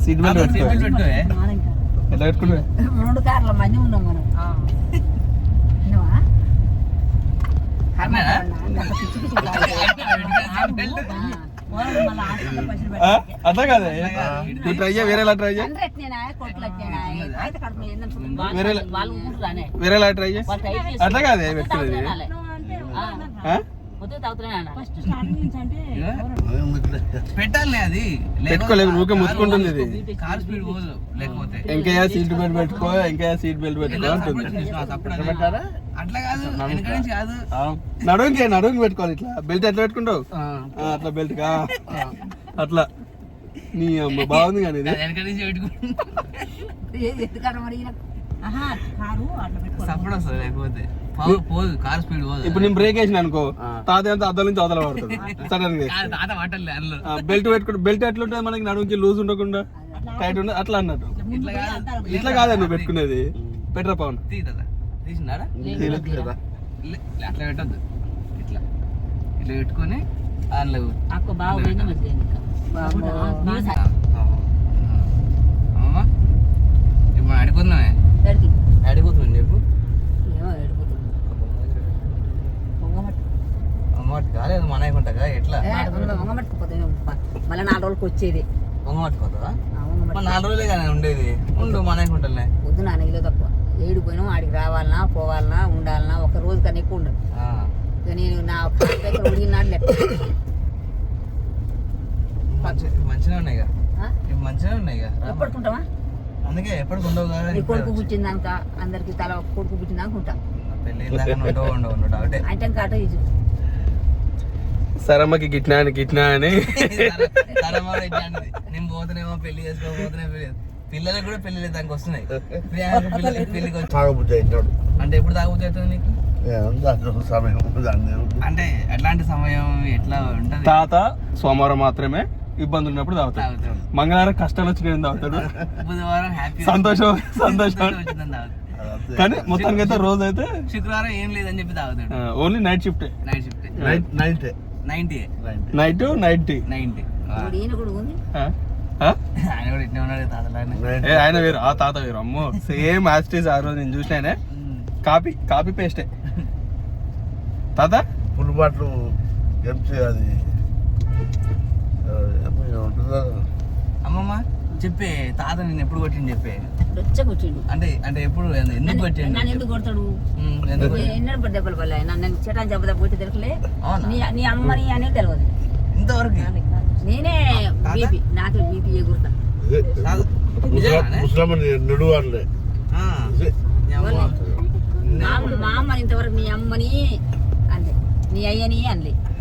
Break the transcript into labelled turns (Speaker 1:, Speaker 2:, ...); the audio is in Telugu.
Speaker 1: సీట్ బెల్ట్ పెట్టుకో. ఎట్లా పెట్టుకుంటే
Speaker 2: 2 కార్ల మంది ఉన్నాం మనం.
Speaker 1: అట్లా కాదే నువ్వు ట్రై చేయ వేరేలా ట్రై చేయ వేరేలా ట్రై చేయ అట్లా కాదే పెట్టుకునేది
Speaker 3: పెట్టాలి అది
Speaker 1: పెట్టుకోలేదు ఊరికే ముచ్చుకుంటుంది ఇది.
Speaker 3: కార్ స్పీడ్ పోదు లేకపోతే
Speaker 1: ఇంకా సీట్ బెల్ట్ పెట్టుకో ఇంకా సీట్ బెల్ట్ పెట్టుకో అంటుంది.
Speaker 3: అట్లా కాదు వెనక నుంచి కాదు
Speaker 1: నడుంకి పెట్టుకోవాలి ఇట్లా బెల్ట్ ఎట్లా పెట్టుకుంటావు అట్లా బెల్ట్ కా అట్లా నీ అమ్మ బాగుంది కానీ ఇది
Speaker 3: వెనక నుంచి సపోర్ట్ వస్తుంది లేకపోతే పోదు కార్ స్పీడ్ పోదు.
Speaker 1: ఇప్పుడు నేను బ్రేక్ వేసిన అనుకో తాత అంతా అద్దల నుంచి అవతల పడుతుంది సడన్ గా.
Speaker 3: తాత పట్టలే అందులో
Speaker 1: బెల్ట్ పెట్టుకుంటే బెల్ట్ ఎట్లుంటుంది మనకి నడుముకి లూజ్ ఉండకుండా టైట్ ఉండదు అట్లా అన్నట్టు. ఇట్లా కాదా నువ్వు పెట్టుకునేది పెట్టరా పవన్
Speaker 3: తీసినారా అట్లా పెట్టద్దు ఇట్లా ఇట్లా పెట్టుకొని అందులో అమ్మమ్మ ఇప్పుడు అడిపోతున్నామే అడిపోతుంది చెప్పు అమ్మటి కాలేదు మనకుంటా ఎట్లా
Speaker 2: మళ్ళీ 4 రోజులకి వచ్చేది
Speaker 3: పొంగ పట్టుకోతుందా 4 రోజులే కానీ ఉండేది ఉండు మనకుంటలే
Speaker 2: వద్దు నాన్నగిలో తక్కువ ఏడు పోయినా ఆడికి రావాలన్నా పోవాలన్నా ఉండాలన్నా ఒక రోజు కన్నా ఎక్కువ ఉండదు. నేను నా ఉడిగినాడు లెక్క
Speaker 3: మంచిగా ఉన్నాయి మంచిగా ఉన్నాయి
Speaker 2: ఎప్పటికుంటావా
Speaker 3: అందుకే ఎప్పటికి ఉండవు కదా.
Speaker 2: కొడుకు పుట్టిందాక అందరికి తల కొడుకు పుట్టిందాక ఉంటా
Speaker 3: పెళ్ళి అంటే
Speaker 2: అంటే కాట ఇది
Speaker 1: సరమ్మకి గిట్నా అని
Speaker 3: నేను పోతున్నామో పెళ్లి చేసుకోపోతున్నా పిల్లలకు కూడా పెళ్లి దానికి వస్తున్నాయి. పెళ్లికి అంటే ఎప్పుడు తాగబుద్ధి అవుతుంది నీకు అంటే ఎట్లాంటి సమయం ఎట్లా ఉంటది?
Speaker 1: తాత సోమవారం మాత్రమే ఇబ్బంది ఉన్నప్పుడు తాగుతాడు, మంగళవారం కష్టాలు వచ్చి నేను తాగుతాడు,
Speaker 3: బుధవారం హ్యాపీ
Speaker 1: సంతోషం కానీ మొత్తానికి అయితే రోజు అయితే
Speaker 3: శుక్రవారం ఏం లేదని చెప్పి తాగుతాడు.
Speaker 1: Only night shift
Speaker 3: night
Speaker 1: night 90
Speaker 2: ఈయన కూడా ఉంది
Speaker 3: ఆయన కూడా ఇట్లా ఉన్నాడు తాతలానే.
Speaker 1: ఆయన వేరు ఆ తాత వేరు అమ్మో సేమ్ యాస్టీస్ ఆ రోజు నేను చూసినానే కాపీ పేస్టే తాత
Speaker 4: ఫుల్ బాట్లు ఎంసీ అది
Speaker 3: అమ్మమ్మ చెప్పే తాత నేను ఎప్పుడు కొట్టింది చెప్పే
Speaker 2: కొట్టిండు
Speaker 3: అంటే ఎప్పుడు ఎందుకు కొట్టిండు
Speaker 2: నన్ను ఎందుకు కొడతాడు ఎన్నడూ దెబ్బలు పడలే నన్ను చెటాన్ని దెబ్బ పోతే తెలుసులే నీ అమ్మని అనేది తెలియదు
Speaker 3: ఇంతవరకు
Speaker 2: నేనే బీపీ నాకు బీపీ ఎగురుతా
Speaker 4: నడువాలే
Speaker 2: మా అమ్మని ఇంతవరకు నీ అమ్మని అంది నీ అయ్యని అనలే